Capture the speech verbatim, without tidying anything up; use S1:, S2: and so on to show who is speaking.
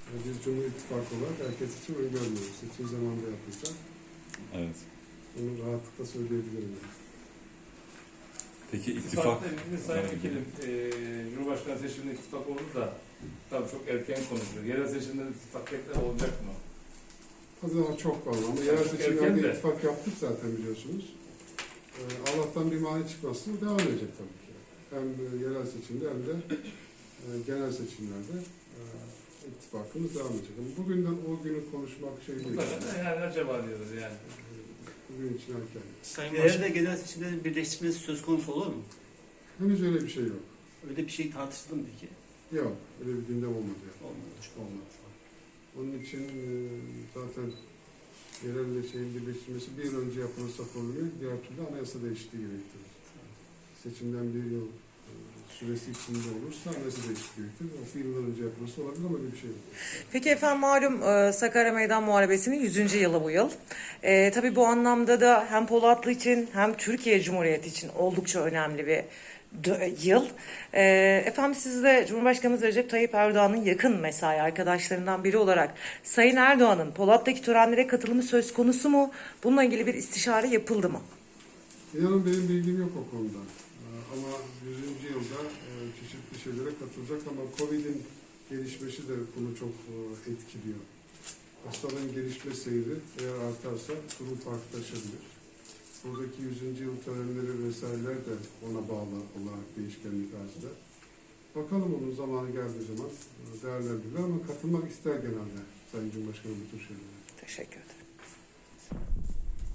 S1: Yani biz Cumhur İttifakı olarak herkes için öngörmüyoruz. Seçim zamanında yapılacak.
S2: Evet.
S1: Onu rahatlıkla söyleyebilirim. Yani.
S2: Peki ittifak...
S3: İttifakla ilgili Sayın Vekilim, e, Cumhurbaşkanı seçiminde ittifak oldu da tabii çok erken konuşuyor. Yerel seçimde ittifak tekrar olacak mı?
S1: Daha çok var ama yerel seçimlerde ittifak yaptık zaten biliyorsunuz. Ee, Allah'tan bir mani çıkmasın, devam edecek tabii ki. Hem yerel seçimde hem de e, genel seçimlerde e, ittifakımız devam edecek. Ama bugünden o günü konuşmak şey değil.
S3: Mutlaka yani acaba diyoruz yani.
S1: Bugün için erken.
S4: Sayın Yerel ve genel seçimlerin birleştirmesi söz konusu olur mu?
S1: Henüz öyle bir şey yok.
S4: Öyle bir şey tartışıldı mı peki?
S1: Yok, öyle bir gündem olmadı. Yani.
S4: Olmadı.
S1: Olmadı. Onun için e, zaten yerelle şeyin birleştirmesi bir yıl önce yapılırsa konuyu, diğer türlü anayasa değişikliği gerektirir. Seçimden bir yıl e, süresi içinde olursa anayasa değişikliği gerektirir. O bir yıldan önce yapılırsa olabilir ama öyle bir şey yok.
S5: Peki efendim malum e, Sakarya Meydan Muharebesi'nin yüzüncü yılı bu yıl. E, tabii bu anlamda da hem Polatlı için hem Türkiye Cumhuriyeti için oldukça önemli bir yıl. E, efendim siz de Cumhurbaşkanımız Recep Tayyip Erdoğan'ın yakın mesai arkadaşlarından biri olarak Sayın Erdoğan'ın Polat'taki törenlere katılımı söz konusu mu? Bununla ilgili bir istişare yapıldı mı?
S1: İnanın benim bilgim yok o konuda. Ee, Ama yüzüncü yılda e, çeşitli şeylere katılacak ama Covid'in gelişmesi de bunu çok e, etkiliyor. Hastalığın gelişme seyri eğer artarsa durum farklılaşabilir. Buradaki yüzüncü yıl törenleri vesaireler de ona bağlı olarak değişkenlik arz eder. Bakalım onun zamanı geldiği zaman e, değerlendirilir ama katılmak ister genelde Sayın Cumhurbaşkanı bu tür şeylere.
S5: Teşekkür ederim.